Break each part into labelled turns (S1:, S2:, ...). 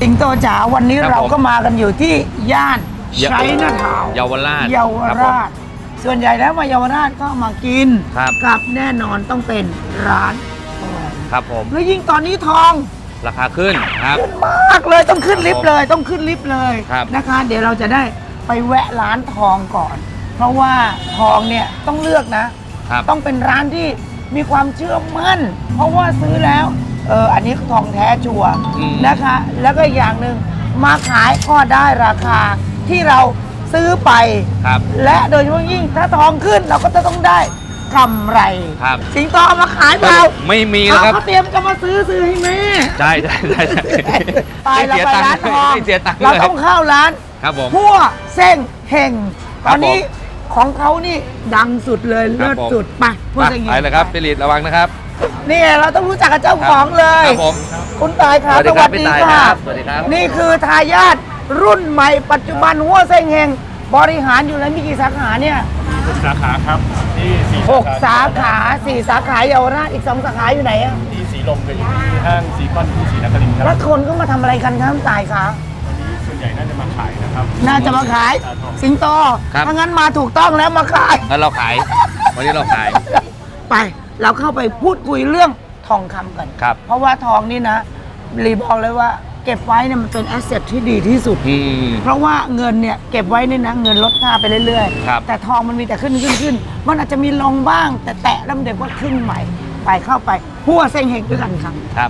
S1: สิงโตจ๋าวันนี้
S2: ครับ
S1: เราก็มากันอยู่ที่ย่าน
S2: เย
S1: ชัยนาทาวน์
S2: เยาวราช
S1: เยาวราช ส่วนใหญ่แล้วมาเยาวราชก็มากิน
S2: ครับ
S1: กับแน่นอนต้องเป็นร้านทอง
S2: ครับผม
S1: แล้วยิ่งตอนนี้ทอง
S2: ราคาขึ้นครับ
S1: ขึ้นมากเลยต้องขึ้นลิฟต์เลยต้องขึ้นลิฟต์เลย
S2: ครับ
S1: นะคะ เดี๋ยวเราจะได้ไปแวะร้านทองก่อน เพราะว่าทองเนี่ยต้องเลือกนะ
S2: ครับ
S1: ต้องเป็นร้านที่มีความเชื่อมั่น เพราะว่าซื้อแล้วอันนี้ทองแท้ชัวร์
S2: อืม
S1: นะคะ แล้วก็อีกอย่างหนึ่งมาขายก็ได้ราคาที่เราซื้อไป
S2: ครับ
S1: และโดยเฉพาะยิ่งถ้าทองขึ้นเราก็จะต้องได้กำไร
S2: ครับ
S1: สิงโตเอามาขายเปล่า
S2: ไม่มีแล้วครับ
S1: เขาเตรียมจะมาซื้อให้แม่
S2: ใช่ใช่ใช่ใช่
S1: ไปเราไปร้านทอง
S2: ไม่เสียตังค์
S1: เรา
S2: เลย
S1: ต้องเข้าร้าน
S2: ครับผม
S1: พั่วเส้งเฮง
S2: ค
S1: ต
S2: รับ
S1: อนนี้ของเขานี่ดังสุดเลย
S2: ครั
S1: เลิ
S2: บ
S1: ศ
S2: ผม
S1: สุดไปพั่ว
S2: ไป
S1: เส้งเฮง
S2: ไปเลยครับพี่ลิดระวังนะครับ
S1: นี่เราต้องรู้จักกับเจ้าของเลย
S2: ครับผม
S1: คุณตายครับ
S2: สวัสดีครับพี่ตาย
S1: ค่ะ
S2: ครับสวัสดีครับ
S1: นี่คือทายาทรุ่นใหม่ปัจจุบันหัวเส้งเฮงบริหารอยู่แล้วมีกี่สาขาเนี่ย
S3: สาขาครับที่สี่
S1: 6 สาขา4 สาขาเยาวราชอีก 2 สาขาอยู่ไหนอะ
S3: ที่สีลมกับอยู่ที่ห้างซีคอนที่ศรีนครินทร์ครับ
S1: แล้วคนก็มาทำอะไรกันครับตายคะ
S3: วันนี้ส่วนใหญ่น่าจะมาขายนะครับ
S1: น่าจะมาขายสิงโต
S2: ครับ
S1: ถ้างั้นมาถูกต้องแล้วมาขาย
S2: งั้นเราขาย วันนี้เราขาย
S1: ไปเราเข้าไปพูดคุยเรื่องทองคำกัน
S2: ครับ
S1: เพราะว่าทองนี่นะรีบอกเลยว่าเก็บไว้เนี่ยมันเป็นแอสเซทที่ดีที่สุด
S2: อืม
S1: เพราะว่าเงินเนี่ยเก็บไว้เนี่ยนะเงินลดค่าไปเรื่อย
S2: ครับ
S1: แต่ทองมันมีแต่ขึ้นมันอาจจะมีลงบ้าง แต่แตะแล้วเดี๋ยวก็ขึ้นใหม่ ไปเข้าไปหัวเซ็งเฮงด้วยกันครับ
S2: ครับ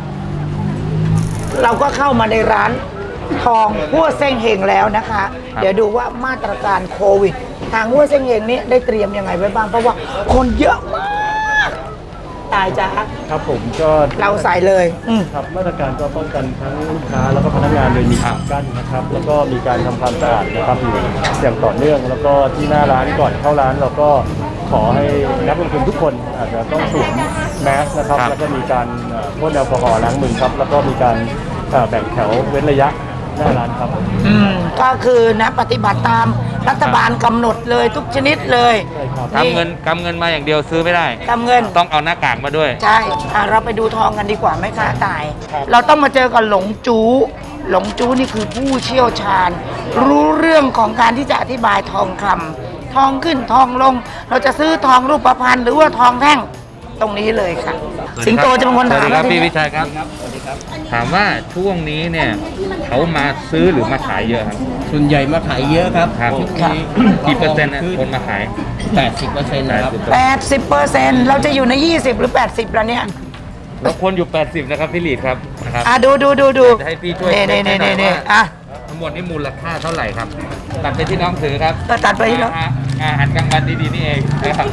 S1: เราก็เข้ามาในร้านทองหัวเซ็งเฮงแล้วนะคะ
S2: ครับ
S1: เดี๋ยวดูว่ามาตรการโควิด ทางหัวเซ็งเฮงนี้ได้เตรียมยังไงไว้บ้างเพราะว่าคนเยอะมากตายจ้า
S3: ครับผมก็
S1: เราใส่เลย
S3: ครับมาตรการก็ป้องกันทั้งลูกค้าแล้วก็พนักงานโดยมี
S2: ครับ
S3: กั้นนะครับ แล้วก็มีการทำความสะอาดนะครับอยู่อย่างต่อเนื่อง แล้วก็ที่หน้าร้านก่อนเข้าร้านเราก็ขอให้นักลงทุนทุกคนอาจจะต้องสวมแมสนะครับ
S2: ครับ
S3: แล้วก็มีการพ่นแอลกอฮอล์ล้างมือครับ แล้วก็มีการแบ่งแถวเว้นระยะหน้าร้านครับ
S1: ก็คือนะปฏิบัติตามรัฐบาลกำหนดเลยทุกชนิดเลย
S3: ใช่ครับ
S1: นี่
S2: กำเงินมาอย่างเดียวซื้อไม่ได้
S1: กำเงิน
S2: ต้องเอาหน้ากากมาด้วย
S1: ใช่เราไปดูทองกันดีกว่าไหมคะตาย เราต้องมาเจอกับหลงจู้หลงจู้นี่คือผู้เชี่ยวชาญ รู้เรื่องของการที่จะอธิบายทองคำทองขึ้นทองลง เราจะซื้อทองรูปพรรณหรือว่าทองแท่งตรงนี้เลยค่ะ สิงโตจะเป็นคนถาม
S2: สวัสดีครับ
S1: นะที
S2: พี่
S1: นี้
S2: วิชัยครับ ถามว่าช่วงนี้เนี่ยเขามาซื้อหรือมาขายเยอะครับ
S4: ส่วนใหญ่มาขายเยอะครับ
S2: ครับ
S4: ทุกที
S2: กี่เปอร์เซ็นต์นะคนมาขาย
S4: 80%นะครับ
S1: 80%เราจะอยู่ใน 20 หรือ 80แล้วเนี่ย
S2: เราควรอยู่ 80 นะครับพี่ลีดครับนะครับ
S1: ดู
S2: จะให้พี่ช่วย
S1: เน่
S2: เช็คให้หน่อยว่า
S1: อ่ะ
S2: ทั้งหมดนี่มูลค่าเท่าไหร่ครับตัดไปที่น้องถือครับ
S1: ก็ตัดไปที่น้อง
S2: อาหารกลางวันดีๆนี่เองนะครับ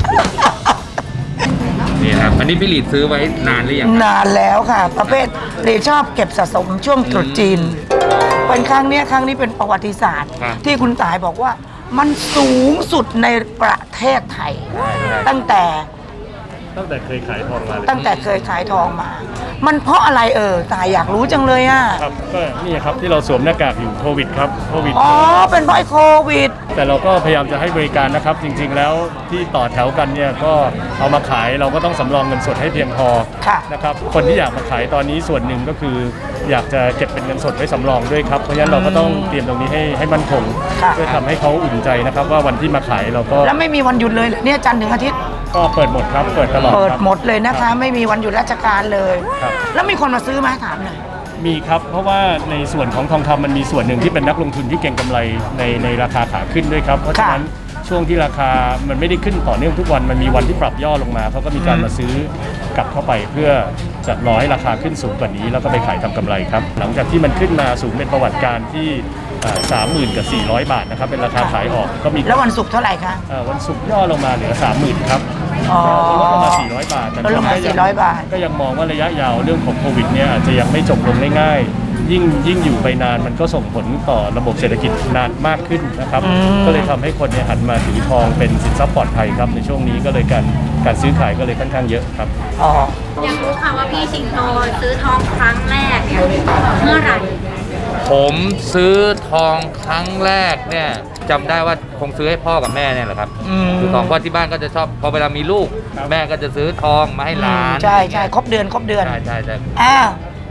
S2: นี่ครับอันนี้พี่ลีดซื้อไว้นานหรือยังครับ
S1: นานแล้วค่ะ ประเภทเรชอบเก็บสะสมช่วงตรุษจีน เป็นครั้งนี้เป็นประวัติศาสตร์
S2: ครับ
S1: ที่คุณตายบอกว่ามันสูงสุดในประเทศไทย ตั้งแต่
S3: เคยขายทองมาเลย
S1: ตั้งแต่เคยขายทองมา มันเพราะอะไรตายอยากรู้จังเลยอ่ะ
S3: ครับก็นี่ครับที่เราสวมหน้ากากอยู่โควิดครับโควิด
S1: อ๋อ เป็นเพราะไอ้โควิด
S3: แต่เราก็พยายามจะให้บริการนะครับ จริงๆแล้วที่ต่อแถวกันเนี่ยก็เอามาขายเราก็ต้องสำรองเงินสดให้เพียงพอ
S1: ค่ะ
S3: นะครับคนที่อยากมาขายตอนนี้ส่วนหนึ่งก็คือ อยากจะเก็บเป็นเงินสดไว้สำรองด้วยครับเพราะฉะนั้นเราก็ต้องเตรียมตรงนี้ให้มั่นคง
S1: ค่ะ
S3: เพื่อทำให้เขาอุ่นใจนะครับว่าวันที่มาขายเราก็
S1: แล้วไม่มีวันหยุดเลยเหรอเนี่ยจันทร์ถึงอาทิตย์
S3: ก็เปิดหมดครับเปิดตลอด
S1: เปิด
S3: ครับ
S1: หมดเลยนะคะ ไม่มีวันหยุดราชการเลย
S3: ครับ
S1: แล้วมีคนมาซื้อไหมถามหน่อย
S3: มีครับเพราะว่าในส่วนของทองคำมันมีส่วนหนึ่งที่เป็นนักลงทุนที่เก็งกำไรในราคาขาขึ้นด้วยครับเพราะฉะนั้นช่วงที่ราคามันไม่ได้ขึ้นต่อเนื่องทุกวันมันมีวันที่ปรับย่อลงมาเขาก็มีการมาซื้อกลับเข้าไปเพื่อจะรอให้ราคาขึ้นสูงกว่านี้แล้วก็ไปขายทำกำไรครับหลังจากที่มันขึ้นมาสูงเป็นประวัติการที่30,000 กับ 400 บาทนะครับเป็นราคาขายออกก็มี
S1: แล้ววันศุกร์เท่าไหร่คะ
S3: วันศุกร์ย่อลงมาเหลือ 30,000 ครับ
S1: อ๋อ
S3: ลดลงมา400 บาทแต่
S1: ลดลงมา400 บาท
S3: ก็ยังมองว่าระยะยาวเรื่องของโควิดเนี่ยอาจจะยังไม่จบลงง่ายๆยิ่งอยู่ไปนานมันก็ส่งผลต่อระบบเศรษฐกิจนานมากขึ้นนะครับก็เลยทำให้คนเนี่ยหันมาถือทองเป็นสินทรัพย์ปลอดภัยครับในช่วงนี้ก็เลยการซื้อขายก็เลยค่อนข้างเยอะครับ
S1: อ๋อ
S5: อยากรู้ค่ะว่าพี่สิงโตซื้อทองครั้งแรกเนี่ยเมื่อไหร่
S2: ผมซื้อทองครั้งแรกเนี่ยจำได้ว่าคงซื้อให้พ่อกับแม่เนี่ยแหละครับคือทองเพราะที่บ้านก็จะชอบพอเวลามีลูก แม่ก็จะซื้อทองมาให้หลาน
S1: ใช่ครบเดือน
S2: ใช่
S1: อ้าว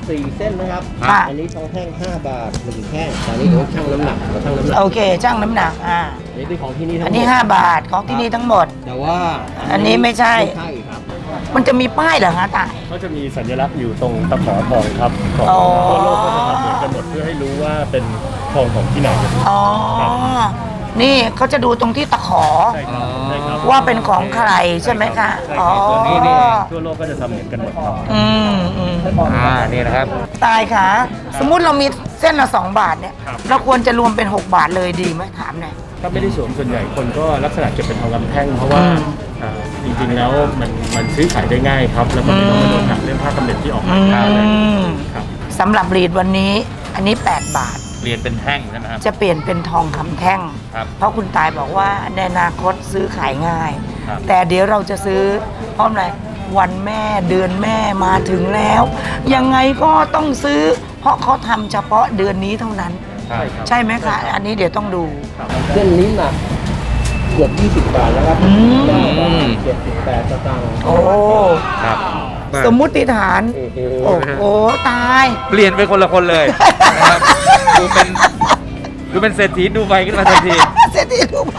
S4: 4 เส้นนะครับ
S1: ค่ะ
S4: อันนี้ทองแท่ง5 บาท1แท่งแต่อันนี้เดี๋ยวชั่งน้ำหนักเราชั่งน้ำหนัก
S1: โอเคช่างน้ำหนัก
S4: อันนี้เป็นของที่นี่ทั้งหมด
S1: อันนี้ 5 บาทของที่นี่ทั้งหมด
S4: แต่ว่า
S1: อันนี้ไม่ใช่
S4: ไม่ใช่ครับ
S1: มันจะมีป้ายเหรอฮะตาย
S3: เขาจะมีสัญลักษณ์อยู่ตรงตะขอทองครับของ
S1: อ๋อ
S3: ทั่วโลกก็จะทำเหมือนกันหมดเพื่อให้รู้ว่าเป็นทองของที่ไหน
S1: อ๋อ นี่เขาจะดูตรงที่ตะขอ
S3: ใช่ครับใช่ครับ
S1: ว่าเป็นของใครใช่ไหมคะ
S3: ใช่
S1: อ๋อ
S3: ครับตัวนี้นี่ทั่วโลกก็จะทำเหมือนกันหมดครับ
S1: อืม
S2: นี่นะครับ
S1: ตายค่ะ สมมุติเรามีเส้นละ2 บาทเนี่ย
S3: ครับ
S1: เราควรจะรวมเป็น 6 บาทเลยดีไหมถามหน่อย
S3: ถ้าไม่ได้สวมส่วนใหญ่คนก็ลักษณะเก็บเป็นทองคำแท่งเพราะว่า
S1: อืม
S3: จริงๆแล้วมันซื้อขายได้ง่ายครับ แล้วก็ไม่ต้องมาโดนหักเรื่องค่ากำเนิดที่ออกมาอะไร
S1: ม
S3: ครับ
S1: สำหรับรีดวันนี้อันนี้ 8 บาท
S2: เรียนเป็นแท่งใช่ไหมครับ
S1: จะเปลี่ยนเป็นทองคำแท่ง
S2: ครับ
S1: เพราะคุณตายบอกว่าในอนาคตซื้อขายง่าย
S2: ครับ
S1: แต่เดี๋ยวเราจะซื้อเพราะอะไรวันแม่เดือนแม่มาถึงแล้ว ยังไงก็ต้องซื้อ เพราะเขาทำเฉพาะเดือนนี้เท่านั้น
S2: ครับ
S1: ใช่ไหมคะ อันนี้เดี๋ยวต้องดู
S4: เส้นนี้หนักเกือบ20 บาทแล้วครับ
S1: อืม
S4: 9 บาท78 สตางค์
S1: โอ้
S2: ครับ
S1: สมมุติฐาน โอ้โหตาย
S2: เปลี่ยนเป็นคนละคนเลยนะครับดูเป็นเศรษฐีดูใบขึ้นมาทันที
S1: เศรษฐีดูไป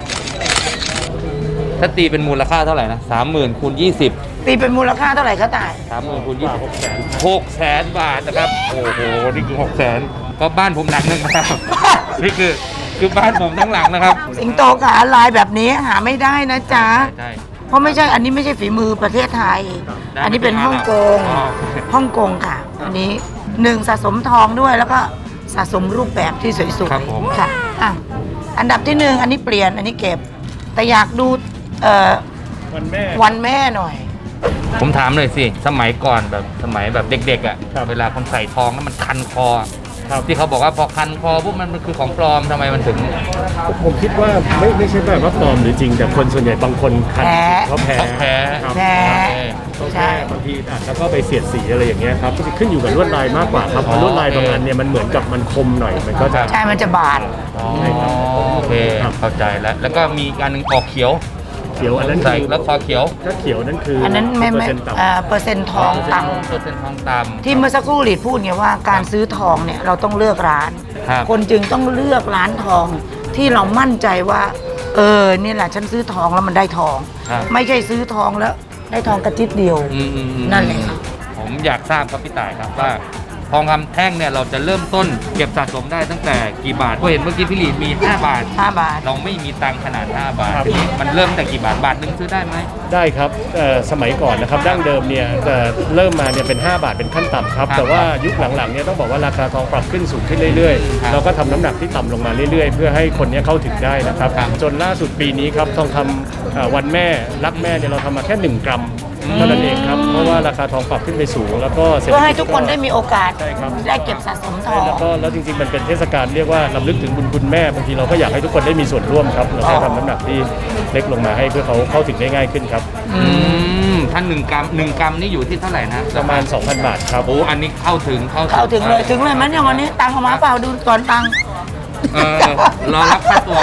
S2: ถ้าตีเป็นมูลค่าเท่าไหร่นะ30,000คูณ20
S1: ตีเป็นมูลค่าเท่าไหร่คะตาย
S2: 30,000คูณ20 600,000 บาทนะครับ โอ้โห นี่คือ 600,000ก็บ้านผมหลังหนึงนะครับ นี่คือบ้านผมทั้งหลังนะครับ
S1: สิงโตขาลายแบบนี้หาไม่ได้นะจ๊ะ
S2: ใช่
S1: เพราะไม่ใช่ อันนี้ไม่ใช่ฝีมือประเทศไทย
S2: ได้
S1: อันนี้เป็นฮ่องกง
S2: อ๋อ
S1: ฮ่องกงค่ะ อันนี้1สะสมทองด้วยแล้วก็สะสมรูปแบบที่สวย
S2: ครับผม
S1: ๆค่ะอ่ะ อันดับที่ 1 อันนี้เปลี่ยน อันนี้เก็บ แต่อยากดู
S3: วันแม่
S1: วันแม่หน่อย
S2: ผมถามหน่อยสิ สมัยก่อนแบบสมัยแบบเด็กๆอ่ะ
S3: ครับ
S2: เวลาคนใส่ทองแล้วมันคันคอ
S3: ครับ
S2: ที่เขาบอกว่าพอคันคอปุ๊บมันคือของปลอมทำไมมันถึง
S3: ผมคิดว่าไม่ใช่แบบว่าปลอมหรือจริง แต่คนส่วนใหญ่บางคนคัน
S1: แพ้
S3: เขาแพ้
S2: เขาแพ้
S3: ครับ
S1: แพ้
S3: เขา
S1: ใช่
S3: แพ้บางทีแล้วก็ไปเสียดสีอะไรอย่างเงี้ยครับก็จะขึ้นอยู่กับลวดลายมากกว่าครับเพราะลวดลายบางอันเนี่ยมันเหมือนกับมันคมหน่อยมันก็จะ
S1: ใช่ มันจะบาด
S2: อ๋อ
S3: ใช่ครับ
S2: โอเค เข้าใจแล้ว แล้วก็มีการหนึ่งออกเขียว
S3: เขียวอันนั้น
S2: ใส่
S3: คือ
S2: แล้วคอเขียว
S3: ถ้าเขียวนั่นคือ
S1: อันนั้นไม่
S3: เปอร์เซ็นต์ต่ำ
S1: เปอร์เซ็นต์ทองต่ำ
S2: เปอร์เซ็นต์ทองต่ำ
S1: ที่เมื่อสักครู่หลีดพูดไงว่าการซื้อทองเนี่ยเราต้องเลือกร้าน
S2: ครับ
S1: คนจึงต้องเลือกร้านทองที่เรามั่นใจว่า นี่แหละฉันซื้อทองแล้วมันได้ทอง
S2: ครับ
S1: ไม่ใช่ซื้อทองแล้วได้ทองกระจิตเดียว
S2: อืมๆๆ
S1: นั่นแหละครับ
S2: ผมอยากทราบครับพี่ต่ายครับว่าทองคำแท่งเนี่ยเราจะเริ่มต้นเก็บสะสมได้ตั้งแต่กี่บาทก็เห็นเมื่อกี้พี่หลีมี 5 บาท
S1: 5 บาท
S2: เราไม่มีตังค์ขนาด 5 บาท
S3: ครับ
S2: ทีนี้มันเริ่มแต่กี่บาท บาทหนึ่งซื้อได้ไหม
S3: ได้ครับสมัยก่อนนะครับดั้งเดิมเนี่ยเริ่มมาเนี่ยเป็น 5 บาทเป็นขั้นต่ำครับ
S2: ครับ
S3: แต่ว่ายุคหลังๆเนี่ยต้องบอกว่าราคาทองปรับขึ้นสูงขึ้นเรื่อย
S2: ครับ
S3: ๆเราก็ทำน้ำหนักที่ต่ำลงมาเรื่อยๆ เพื่อให้คนเนี้เข้าถึงได้นะครับ
S2: ครับ
S3: จนล่าสุดปีนี้ครับทองคำวันแม่รักแม่เนี่ยเราทำมาแค่ 1 กรัมเท่านั้นเองครับเพราะว่าราคาทองปรับขึ้นไปสูงแล้วก็ศรษฐ
S1: เพื่อ
S3: จ
S1: ให้ทุกคนได้มีโอกาส
S3: ใช่ครับ
S1: ได้เก็บสะสมทอง
S3: แล้วจริงๆมันเป็นเทศกาลเรียกว่าลำลึกถึงบุญคุณแม่บางทีเราก็อยากให้ทุกคนได้มีส่วนร่วมครับเราก็ทำน้ำหนักที่เล็กลงมาให้เพื่อเขาเข้าถึงได้ง่ายขึ้นครับ
S2: ท่าน1 กรัม 1 กรัมนี่อยู่ที่เท่าไหร่นะ
S3: ประมาณ 2,000 บาทครับ
S2: โอ้อันนี้เข้าถึง
S1: เข้าถึงเลยถึงเลยมั้ยเนี่ยวันนี้ตังค์เอามาเปล่าดูก่อนตังค์
S2: รอรับค่าตัว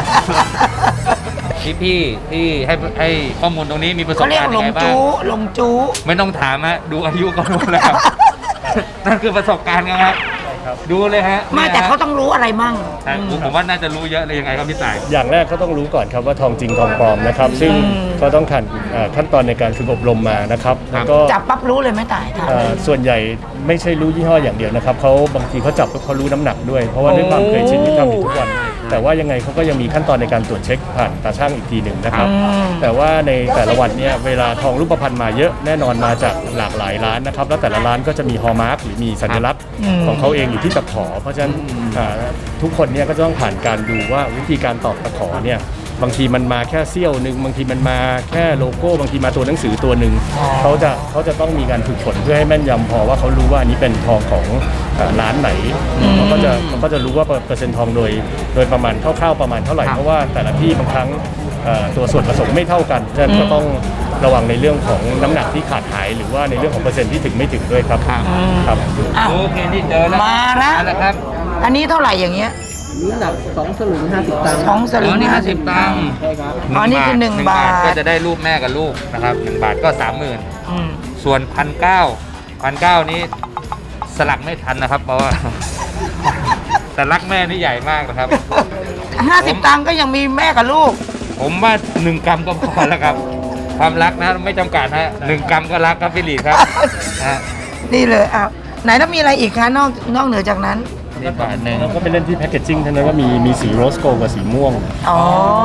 S2: พี่ที่ให้ข้อมูลตรงนี้มีประสบ
S1: เขาเรียก
S2: การณ์
S1: หล
S2: ยัง
S1: ง
S2: ไงบ้าง
S1: จู้หลงจู้
S2: ไม่ต้องถามฮะดูอายุก็รู้แล้ว นั่นคือประสบการณ์ครับ ดูเลยฮะ
S1: ไม่แต่เขาต้องรู้อะไรมั่ง
S2: ใช่ผมว่าน่าจะรู้เยอะเลยยังไงครับพี่ต่าย
S3: อย่างแรกเขาต้องรู้ก่อนครับว่าทองจริงทองปลอมนะครับ ซึ่งก็ต้องผ่านขั้นตอนในการฝึกอบรมมานะครับ
S2: ครับ
S3: แล้วก็
S1: จับปั๊บรู้เลยไหม่ตายค่ะ
S3: ส่วนใหญ่ไม่ใช่รู้ยี่ห้ออย่างเดียวนะครับเขาบางทีเขาจับปุ๊บเขารู้น้ำหนักด้วย เพราะว่าด้วยความเคยชินที่ทำอยู่ทุกวัน แต่ว่ายังไงเขาก็ยังมีขั้นตอนในการตรวจเช็คผ่านตาช่างอีกทีหนึ่งนะครับ แต่ว่าในแต่ละวันเนี่ยเวลาทองรูปพรรณมาเยอะแน่นอนมาจากหลากหลายร้านนะครับแล้วแต่ละร้านก็จะมีฮอลมาร์กหรือมีสัญลักษณ์ของเขาเองอยู่ที่ตะขอ เพราะฉะนั้นทุกคนเนี่ยก็จะต้องผ่านการดูว่าวิธีการตอกตะขอเนี่ยบางทีมันมาแค่เสี้ยวหนึ่งบางทีมันมาแค่โลโก้บางทีมาตัวหนังสือตัวหนึ่งเขาจะต้องมีการฝึกฝนเพื่อให้แม่นยำพอว่าเขารู้ว่าอันนี้เป็นทองของร้านไหนเขาก็จะรู้ว่าเปอร์เซ็นต์ทองโดยประมาณคร่าวๆประมาณเท่าไหร่เพราะว่าแต่ละที่บางครั้งตัวส่วนผสมไม่เท่ากันฉะนั้นก็ต้องระวังในเรื่องของน้ำหนักที่ขาดหายหรือว่าในเรื่องของเปอร์เซ็นต์ที่ถึงไม่ถึงด้วยครับครับ
S1: อ้าว
S2: โอเคนี่เจอแล้ว
S1: มาแล้ว
S2: เอาละครับ
S1: อันนี้เท่าไหร่อย่างเงี้ย
S4: นี้หนัก2 สลึง 50 ตังค์
S1: สองสลึง
S2: นี่
S1: 50
S2: ตังค์
S4: ใช่ครับ
S1: อ๋อนี่คือ1 บาท
S2: ก็จะได้รูปแม่กับลูกนะครับ1 บาทก็ 30,000
S1: อืม
S2: ส่วน1,900นี้สลักไม่ทันนะครับ เพราะว่า แต่รักแม่นี่ใหญ่มากนะครับ
S1: 50 ตังค์ก็ยังมีแม่กับลูก
S2: ผมว่า1 กรัมก็พอแล้วครับ ความรักนะไม่จำกัดฮะ1 กรัมก็รักครับพี่หลีดครับฮะ
S1: นี่เลยอ่ะไหนแล้วมีอะไรอีกคะนอกเหนือจากนั้น
S2: นี่บาทหนึ่ง
S3: แล้วก็ไปเล่นที่แพคเกจจิ้งเท่านั้นว่ามีสีโรสโกลด์กับสีม่วง
S1: อ๋อ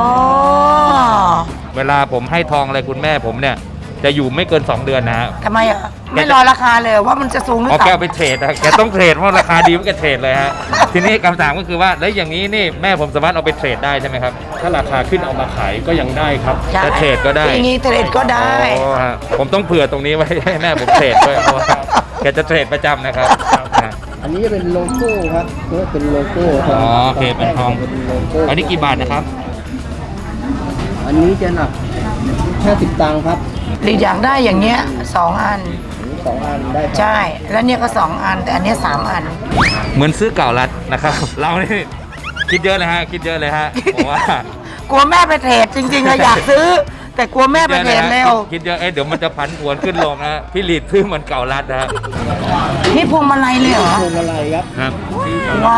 S2: เวลาผมให้ทองอะไรคุณแม่ผมเนี่ยจะอยู่ไม่เกิน 2 เดือนนะฮะ
S1: ทำไมอ่ะ ไม่รอราคาเลยว่ามันจะสูงหรือ
S2: เอาแกเอา
S1: ต่ำ
S2: ไปเทรดนะแกต้องเทรดเพราะราคาดีมันแกเทรดเลยฮะ ทีนี้คำถามก็คือว่าแล้วอย่างนี้นี่แม่ผมสามารถเอาไปเทรดได้ใช่ไหมครับ
S3: ถ้าราคาขึ้นเอามาขายก็ยังได้ครับ
S1: ใช่
S2: จะเทรดก็ได้
S1: อย่างนี้เทรดก็ได้
S2: อ๋อฮะผมต้องเผื่อตรงนี้ไว้ให้แม่ผมเทรดด้วยเพราะว่าแกจะเทรดประจำนะครับฮะ
S4: อันนี้จะเป็นโลโก้ครับเรียกว่าเป็นโลโก้
S2: อ๋อโอเคเป็นทอง
S4: เป็นโลโก้
S2: อันนี้กี่บาทนะครับ
S4: อันนี้จะหนัก50 ตังค์ครับ
S1: หรืออยากได้อย่างเงี้ย2 อัน
S4: 2 อันได้ครับ
S1: ใช่ แล้วเนี่ยก็ 2 อัน แต่อันเนี้ย3 อัน
S2: เหมือนซื้อเก่ารัดนะครับ เรานี่คิดเยอะเลยฮะคิดเยอะเลยฮะผมว่า
S1: กลัวแม่ไปเทรดจริงๆอะอยากซื้อ แต่กลัวแม่ไปเทรดเร็ว
S2: คิดเยอะเดี๋ยวมันจะพันผวนขึ้นลงนะพี่หลีดซื้อเหมือนเก่ารัดนะฮะ
S1: นี่พวงมาลัยเลยเหรอ
S4: พวงมาลัยครับ
S2: ครับ
S1: ว้าว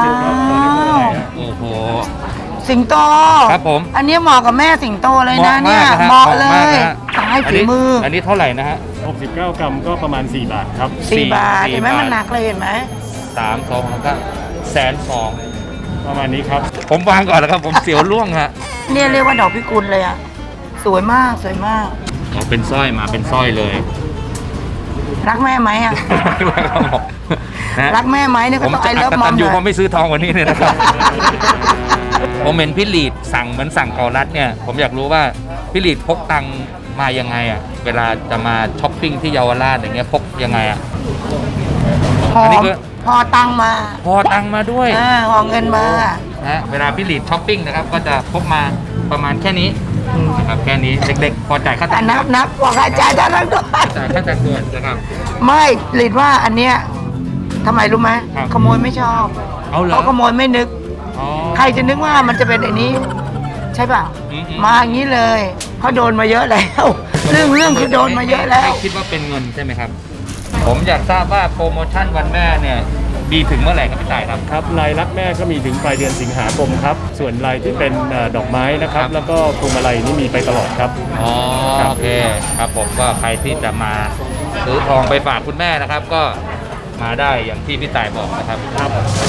S2: โอ้โห
S1: สิงโต
S2: ครับผม
S1: อันนี้เหมาะกับแม่สิงโตเลยนะเนี่ย
S2: เห
S1: เห
S2: มาะ
S1: มาะ
S2: มาก
S1: เล
S2: นะฮะ
S1: ยตายฝีมือ
S2: อันนี้เท่าไหร่นะฮะ
S3: 69 กรัมก็ประมาณ 4 บาทครับ
S1: 4 บาท
S2: 4
S1: เห็นไหม
S2: บาท
S1: มันหนักเลยเห็นไหม
S2: 3 2แล้วก็120,000
S3: ประมาณนี้ครับ
S2: ผมวางก่อนแล้วครับ ผมเสียวล่วงฮะ
S1: เนี่ยเรียกว่าดอกพิกุลเลยอะสวยมากสวยมาก
S2: เอาเป็นสร้อยมาเป็นสร้อยเลย
S1: รักแม่ไหมอะ
S2: นะ
S1: รักแม่ไหมเนี่ย
S2: ผ
S1: ก็
S2: ม
S1: ต้อง
S2: จะ
S1: ไอเลิ
S2: อั
S1: ฟ
S2: ก
S1: มอ
S2: ตั
S1: ม
S2: น
S1: เล
S2: อยู่
S1: ย
S2: เพราะไม่ซื้อทองวันนี้เนี่ยนะครับ ผมเห็นพี่หลีดสั่งเหมือนสั่งเก่ารัดเนี่ย ผมอยากรู้ว่าพี่หลีดพกตังค์มายังไงอ่ะ เวลาจะมาช้อปปิ้งที่เยาวราชอย่างเงี้ยพกยังไงอ่ะ
S1: พอ
S2: อันนี้คือ
S1: พอตังค์มา
S2: พอตังค์มาด้วย
S1: หอเงินมา
S2: นะเวลาพี่หลีดช้อปปิ้งนะครับ ก็จะพกมาประมาณแค่นี้นะครับแค่นี้เด็กๆพอจ่ายค่า
S1: แต่
S2: ตังค์
S1: นับบอกอาจารย์จะนับด้วย
S2: จ่ายค่าตังค์ด้วยนะครับ
S1: ไม่หลิดว่าอันเนี้ยทำไมรู้ไหม
S2: ครับ
S1: ขโมยไม่ชอบ
S2: เอาเหรอ
S1: เขาขโมยไม่นึก
S2: อ๋อ
S1: ใครจะนึกว่ามันจะเป็นไอ้นี้ ใช่ป่ะ
S2: อืม
S1: มาอย่างนี้เลยเขาโดนมาเยอะแล้ว เรื่องคือโดนมาเยอะแล้ว
S2: ไม่คิดว่าเป็นเงินใช่ไหมครับ ผมอยากทราบว่าโปรโมชั่นวันแม่เนี่ยมีถึงเมื่อไหร่ครับพี่ต่ายครับ
S3: ครับลายรักแม่ก็มีถึงปลายเดือนสิงหาคมครับ ส่วนลายที่เป็นดอกไม้นะครับ
S2: ครับ
S3: แล้วก็พวงมาลัยนี่มีไปตลอดครับ
S2: อ๋อ
S3: ครับ
S2: โอเคครับผมก็ใครที่จะมาซื้อทองไปฝากคุณแม่นะครับ ก็มาได้อย่างที่พี่ต่ายบอกนะครับ
S3: ครับ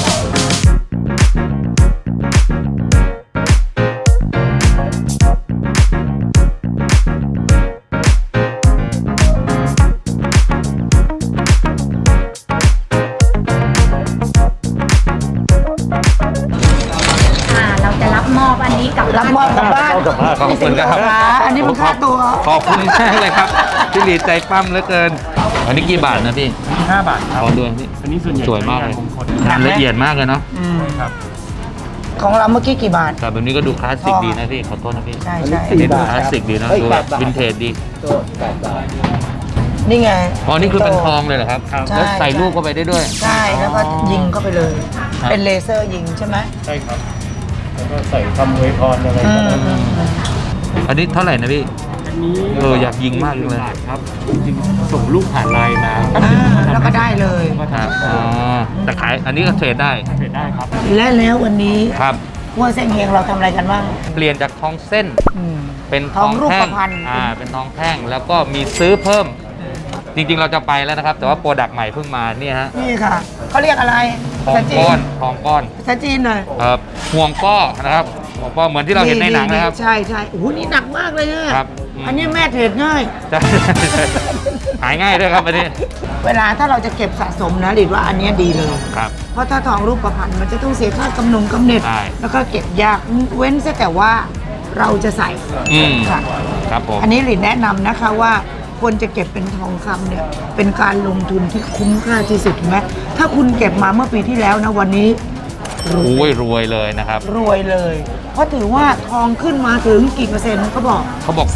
S5: เราจะรับมอบอันนี้กลับ
S1: รับมอบกลับบ้าน
S3: เอากลับบ้าน
S2: ขอบคุณครับ
S1: อันนี้มันค่าตัว
S2: ขอบคุณมากเลยครับพี่หลีใจปั้มเหลือเกิน อันนี้กี่บาทนะพี่
S3: 5 บาทครับ
S2: ขอด้วยพี่
S3: อันนี้ส่วนใหญ่
S2: สวยมากเลย
S3: งคล
S2: งานละเอียดมากเลยเนาะ
S1: อืม
S3: ครับ
S1: ของเราเมื่อกี้กี่บาท
S2: แต่แบบนี้ก็ดูคลาสสิกดีนะพี่ขอโทษนะพี่
S1: ใช่
S4: อัน
S1: ใช่
S4: นี้
S2: อันนี้ดู
S4: 4 บาท
S2: คลาสสิกดีนะ
S4: เอ้ย
S2: ดู
S4: 8
S2: แบบ
S4: บาท
S2: วินเทจดี
S4: ตัว8 บาท
S1: นี่ไง
S2: อ๋อนี่คือเป็นทองเลยเหรอครับ
S3: ครับ
S2: แล้วใส่ลูกเข้าไปได้ด้วย
S1: ใช่แล้วก็ยิงเข้าไปเลย
S2: ครับ
S1: เป็นเลเซอร์ยิงใช่ไหม
S3: ใช่ครับ แล้วก็ใส่คำอวยพรอะไร
S1: อื
S3: ก็
S1: ม
S3: ได้
S1: อืมอืม
S2: อันนี้เท่าไหร่นะพี่
S3: อันนี้
S2: อยากยิงมากเลย
S3: บาทครับจริงๆส่งลูกผ่านไลน์มา
S1: แล้วก็ได้เลย
S3: ก็
S2: ครับ
S3: ทำ
S2: อ๋อแต่ขายอันนี้ก็เทรดได้
S3: เทรดได้ครับ
S1: และแล้ววันนี้
S2: ครับ
S1: วัวเส้นเฮงเราทำอะไรกันบ้าง
S2: เปลี่ยนจากทองเส้น
S1: อืม
S2: เป็น
S1: ทองรูป
S2: แท่ง
S1: พรรณ
S2: เป็นทองแท่งแล้วก็มีซื้อเพิ่ม จริงๆเราจะไปแล้วนะครับ แต่ว่าโปรดักต์ใหม่เพิ่งมาเนี่ยฮะ
S1: นี่ค่ะเขาเรียกอะไร
S2: ทอง
S1: ภาษาจี
S2: ก้อนทองก้อน
S1: ภาษาจีนหน่อย
S2: ห่วงป้อนะครับห่วงป้อเหมือนที่เราเห็นในหนังนะครับ
S1: ใช่ใช่โอ้โหนี่หนักมากเลยเนี่ย
S2: ครับอืม
S1: อันนี้แม่เทรดง่าย
S2: ใช่หายง่ายด้วยครับอันนี้
S1: เวลาถ้าเราจะเก็บสะสมนะหรือว่าอันเนี้ยดีเลย
S2: ครับ
S1: เพราะถ้าทองรูปประพันธ์มันจะต้องเสียค่ากำเนิด
S2: ใช่
S1: แล้วก็เก็บยากเว้นซะแต่ว่าเราจะใส่
S2: อืม
S1: ค่ะ
S2: ครับผม
S1: อันนี้หลินแนะนำนะคะว่าควรจะเก็บเป็นทองคำเนี่ยเป็นการลงทุนที่คุ้มค่าที่สุดเห็นไหมถ้าคุณเก็บมาเมื่อปีที่แล้วนะวันนี้
S2: โอ้ยรวยเลยนะครับ
S1: รวยเลย เพราะถือว่าทองขึ้นมาถึงกี่เปอร์เซ็นต์เขาบอก
S2: เขาบอก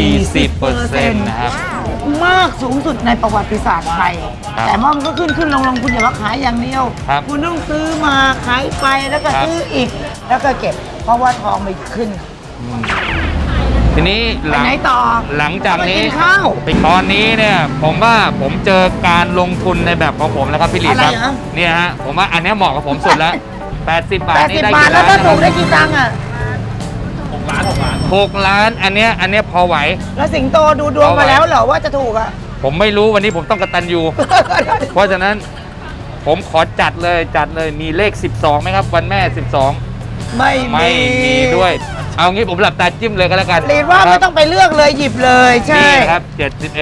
S2: 40%นะครับ
S1: มากสูงสุดในประวัติศาสตร์ไทย
S2: ครับ
S1: แต่ว่ามันก็ขึ้นลงคุณอย่าว่าขายอย่างเดียว
S2: ครับ
S1: ณต้องซื้อมาขายไปแล้วก็
S2: ครับ
S1: ซื้ออีก แล้วก็เก็บ เพราะว่าทองมันขึ้น
S2: อืมทีนี้
S1: ไปไหนต่อ
S2: หลังจากนี้
S1: ไปกินข้าว
S2: ตอนนี้เนี่ยผมว่าผมเจอการลงทุนในแบบของผมแล้วครับพี่หลีครับ
S1: อะไรเหรอ
S2: เนี่ยฮะผมว่าอันเนี้ยเหมาะกับผมสุดแล้ว 80 บาทนี่
S1: 80
S2: ได้
S1: บาท
S2: กี่
S1: แล้ว
S2: ล้าน
S1: ถ้า
S2: นะค
S1: ถู
S2: รับ
S1: กได้กี่ตังค์อ่ะ
S2: 6 ล้านอันเนี้ยพอไหว
S1: แล้วสิงโตดูดวงมาแล้วเหรอว่าจะถูกอ่ะ
S2: ผมไม่รู้วันนี้ผมต้องกตัญญู เพราะฉะนั้นผมขอจัดเลยมีเลข 12ไหมครับวันแม่ 12
S1: ไม่
S2: ไม่มีด้วย เอางี้ผมหลับตาจิ้มเลยก็แล้วกัน
S1: ลีดว่า
S2: ค
S1: ไม่
S2: รับ
S1: ต้องไปเลือกเลยหยิบเลยใช่
S2: นี่นะครับ71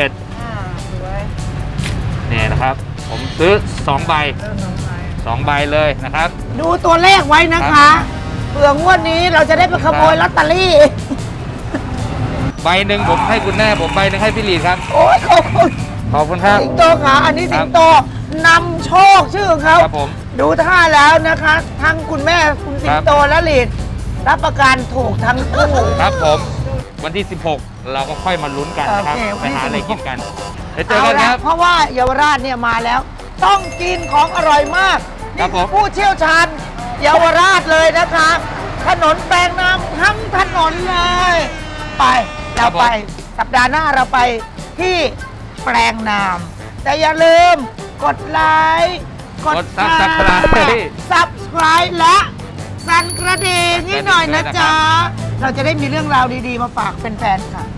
S2: เนี่ยนะครับ ผมซื้อ2 ใบ 2 ใบเลยนะครับ
S1: ดูตัวเลขไว้นะคะเผื่องวดนี้เราจะได้ไปขโมยลอตเตอรี่
S2: ใบหนึ่งผมให้คุณแม่ผมใบหนึ่งให้พี่หลีดครับ
S1: โอ้ยขอบคุณ
S2: ขอบคุณครับ
S1: สิงโตขาอันนี้สิงโตนำโชคชื่อของเขา
S2: ครับผม
S1: ดูท่าแล้วนะคะ ทั้งคุณแม่คุณสิงโตและลีดรับประกันถูกทั้งคู่
S2: ครับผม วันที่ 16 เราก็ค่อยมาลุ้นกันนะครับ
S1: โอเค
S2: ไปหาอะไรกินกันไปเจอ
S1: เอา
S2: กันค
S1: ละ
S2: รับ
S1: เพราะว่าเยาวราชเนี่ยมาแล้ว ต้องกินของอร่อยมาก
S2: ครั
S1: นี่
S2: บผม
S1: คือผู้เชี่ยวชาญเยาวราชเลยนะคะ ถนนแปลงน้ำทั้งถนนเลย ไปเราไปสัปดาห์หน้าเราไปที่แปลงน้ำแต่อย่าลืมกดไลค์กด
S2: Subscribe
S1: Subscribe และสั่นกระดิ่งให้หน่อยนะจ๊ะ เราจะได้มีเรื่องราวดีๆมาฝากแฟนๆค่ะ